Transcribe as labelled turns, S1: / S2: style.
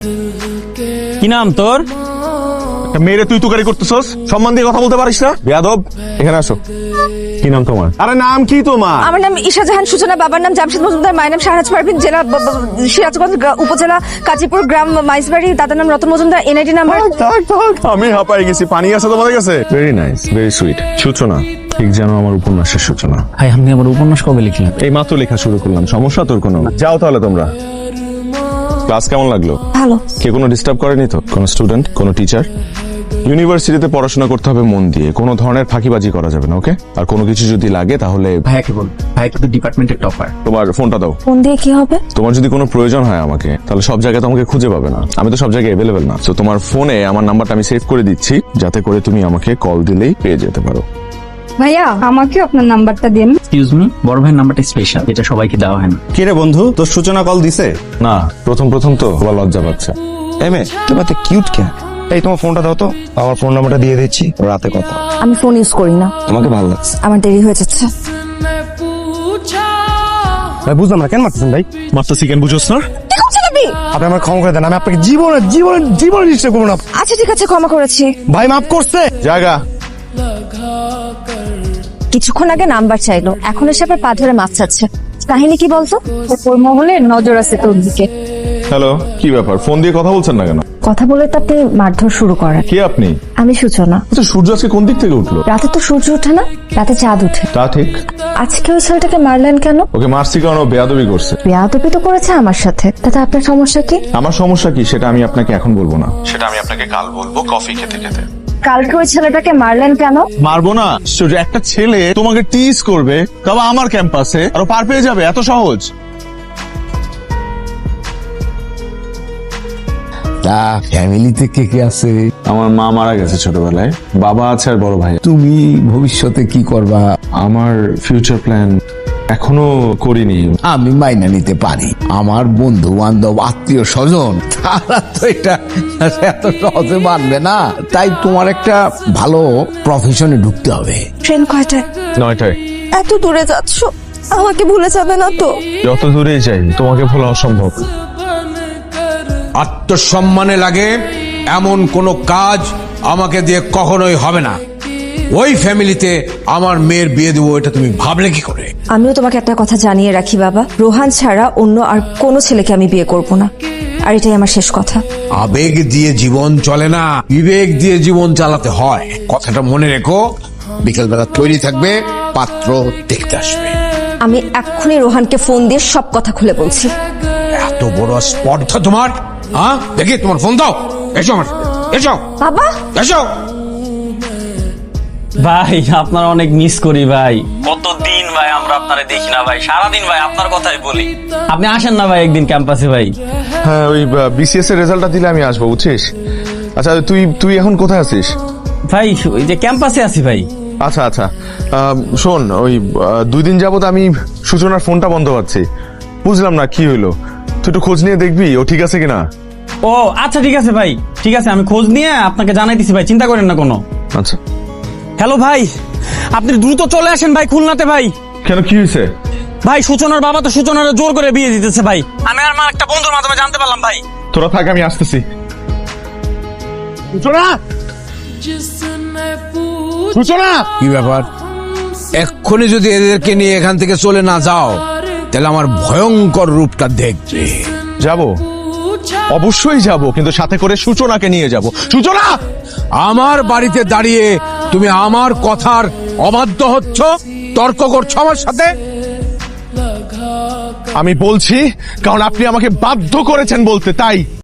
S1: কি নাম তোর?
S2: মেয়েরে তুই তুকারি করতেছস? সম্মান দিয়ে কথা বলতে পারিস না? বেয়াদব, এখানে আসো। কি নাম তোমার? আরে নাম কি তোমার?
S3: আমার নাম ঈশা জাহান সূচনা, বাবার নাম জামশেদ মজুমদার, মায়ের নাম শাহনাজ পারভিন, জেলা সিরাজগঞ্জ, উপজেলা কাজীপুর, গ্রাম মাইজবাড়ি, দাদার নাম রতন মজুমদার, এনআইডি নাম্বার।
S2: আমি হাঁপাই গেছি। পানি আছে তোমাদের কাছে? Very nice, very sweet. সূচনা ঠিক যেন আমার উপন্যাসের সূচনা।
S1: ভাই আপনি আমার উপন্যাস কবে লিখলেন?
S2: এই মাত্র লেখা শুরু করলাম। সমস্যা তোর কোনো? যাও তাহলে তোমরা। ক্লাস কেমন লাগলো?
S3: ভালো।
S2: কে কোনো ডিস্টার্ব করেনি তো? কোনো স্টুডেন্ট, কোনো টিচার? ইউনিভার্সিটিতে পড়াশোনা করতে হবে মন দিয়ে, কোনো ধরনের ফাঁকিবাজি করা যাবে না, ওকে? আর কোনো কিছু যদি লাগে তাহলে
S1: ভাইয়াকে বল, ভাই কিন্তু ডিপার্টমেন্টের টপার।
S2: তোমার ফোনটা দাও।
S3: ফোন দিয়ে কি হবে?
S2: তোমার যদি কোনো প্রয়োজন হয় আমাকে, তাহলে সব জায়গায় তোমাকে খুঁজে পাবে না, আমি তো সব জায়গায় অ্যাভেলেবেল না। তো তোমার ফোনে আমার নাম্বারটা আমি সেভ করে দিচ্ছি, যাতে করে তুমি আমাকে কল দিলেই পেয়ে যেতে পারো।
S3: ভাইয়া আমাকে আপনার নাম্বারটা দিন।
S1: এক্সকিউজ মি, বড় ভাইয়ের নাম্বারটা স্পেশাল, এটা সবাইকে দেওয়া হয় না।
S4: কে রে বন্ধু, তোর সূচনা কল দিছে?
S2: না, প্রথম তো আবার লজ্জা পাচ্ছে।
S4: এমএ তোমার তো কিউট কে? এই তোমার ফোনটা দাও তো, আমার ফোন নাম্বারটা দিয়ে দিচ্ছি, রাতে কথা।
S3: আমি ফোন ইউজ করি না।
S4: তোমাকে ভালো লাগছে?
S3: আমার দেরি হয়ে যাচ্ছে।
S4: ভাই বুঝলাম না, কেন মারতেছেন ভাই?
S2: মাস্টার চিকেন বুঝোস না?
S3: কি করছেন আপনি?
S4: আপনি আমার ক্ষমা করে দেন, আমি আপনাকে জীবনে ডিস্টার্ব করবো না।
S3: আচ্ছা ঠিক আছে, ক্ষমা করেছি।
S4: ভাই মাফ করছে।
S2: জায়গা।
S3: কিছুক্ষণ আগে নাম্বার চাইলো, এখন এসে আবার পা ধরে মাছ চাচ্ছে। কাহিনী কি বলতো? ওর মহলে নজর আছে তোর দিকে।
S2: হ্যালো, কি ব্যাপার? ফোন দিয়ে কথা বলছেন না কেন?
S3: কথা বলে তো আপনি মারধর শুরু করেন।
S2: কে আপনি?
S3: আমি সূচনা।
S2: আচ্ছা, সূর্য আজকে কোন দিক থেকে উঠলো?
S3: রাতে তো সূর্য ওঠে না, রাতে চাঁদ ওঠে।
S2: তা ঠিক।
S3: আজকে ওই ছেলেটাকে মারলেন কেন?
S2: ওকে মারছি কারণ ও বেয়াদবি করছে।
S3: বেয়াদবি তো করেছে আমার সাথে, তাতে আপনার সমস্যা কি?
S2: আমার সমস্যা কি সেটা আমি আপনাকে এখন বলবো না, সেটা আমি আপনাকে কাল বলবো কফি খেতে খেতে।
S3: কালকে ওই ছেলেটাকে মারলেন কেন?
S2: মারবো না? সূর্য, একটা ছেলে তোমাকে টিজ করবে, তবে আমার ক্যাম্পাসে, আর ও পার পেয়ে যাবে, এত সহজ?
S5: তা ফ্যামিলিতে কে কে আছে?
S2: আমার মা মারা গেছে ছোটবেলায়, বাবা আছে আর বড় ভাই।
S5: তুমি ভবিষ্যতে কি করবা?
S2: আমার ফিউচার প্ল্যান এখনো করিনি।
S5: আমি মাইনা নিতে পারি, আমার বন্ধু বান্ধব আত্মীয় স্বজন তারা তো এটা এত সহজে মানবে না। তাই তোমার একটা ভালো প্রফেশনে ঢুকতে হবে।
S3: ট্রেন কয়টায়?
S2: 9টায়।
S3: এত দূরে যাচ্ছ, আমাকে ভুলে যাবে না তো?
S2: যত দূরেই যাই তোমাকে ভোলা অসম্ভব।
S6: আত্মসম্মানে লাগে এমন কোনো কাজ আমাকে দিয়ে কখনোই হবে না। ওই ফ্যামিলিতে আমার মেয়ের বিয়ে দেবো, এটা তুমি ভাবলে কি করে?
S3: আমিও তোমাকে একটা কথা জানিয়ে রাখি বাবা, রোহান ছাড়া অন্য আর কোনো ছেলেকে আমি বিয়ে করব না, আর এটাই আমার শেষ কথা।
S6: আবেগ দিয়ে জীবন চলে না, বিবেক দিয়ে জীবন চালাতে হয়, কথাটা মনে রেখো। বিকেলবেলা তৈরি থাকবে, পাত্র দেখতে আসবে।
S3: আমি এক্ষুনি রোহানকে ফোন দিয়ে সব কথা খুলে বলছি।
S6: এত বড় স্পর্ধা তোমার? হ্যাঁ, দেখি তোমার ফোন দাও। এসো আমার, এসো
S3: বাবা।
S6: এসো।
S1: ভাই আপনার অনেক মিস করি ভাই, কতদিন ভাই আমরা আপনারে দেখি না ভাই, সারাদিন ভাই আপনার কথাই বলি। আপনি আসেন না ভাই একদিন ক্যাম্পাসে ভাই।
S2: হ্যাঁ, ওই বিসিএস এর রেজাল্টটা দিলে আমি আসবো, বুঝছিস? আচ্ছা, তুই এখন কোথায় আছিস?
S1: ভাই ওই যে ক্যাম্পাসে আছি ভাই।
S2: আচ্ছা আচ্ছা, শোন, ওই 2 দিন যাবত আমি সূচনার ফোনটা বন্ধ পাচ্ছি, বুঝলাম না কি হইলো। তুই একটু খোঁজ নিয়ে দেখবি ও ঠিক আছে কিনা।
S1: ও আচ্ছা ঠিক আছে ভাই, ঠিক আছে, আমি খোঁজ নিয়ে আপনাকে জানাই দিছি ভাই, চিন্তা করেন না কোনো।
S2: আচ্ছা।
S1: হ্যালো ভাই, আপনি দ্রুত চলে আসেন ভাই খুলনাতে ভাই।
S2: কেন, কি হয়েছে?
S1: ভাই সূচনার বাবা তো সূচনার জোর করে বিয়ে দিতেছে ভাই, আমি আর আমার একটা বন্ধুর মাধ্যমে জানতে পারলাম ভাই।
S2: তোরা থাক, আমি আসতেছি। সূচনা, সূচনা।
S6: কি ব্যাপার? এক্ষুনি যদি এদেরকে নিয়ে এখান থেকে চলে না যাও, তাহলে আমার ভয়ঙ্কর রূপটা দেখবে।
S2: যাব, অবশ্যই যাব, কিন্তু সাথে করে সূচনাকে নিয়ে যাব। সূচনা,
S6: আমার বাড়িতে দাঁড়িয়ে তুমি আমার কথার অবাধ্য হচ্ছ, তর্ক করছো আমার সাথে।
S2: আমি বলছি কারণ আপনি আমাকে বাধ্য করেছেন বলতে, তাই।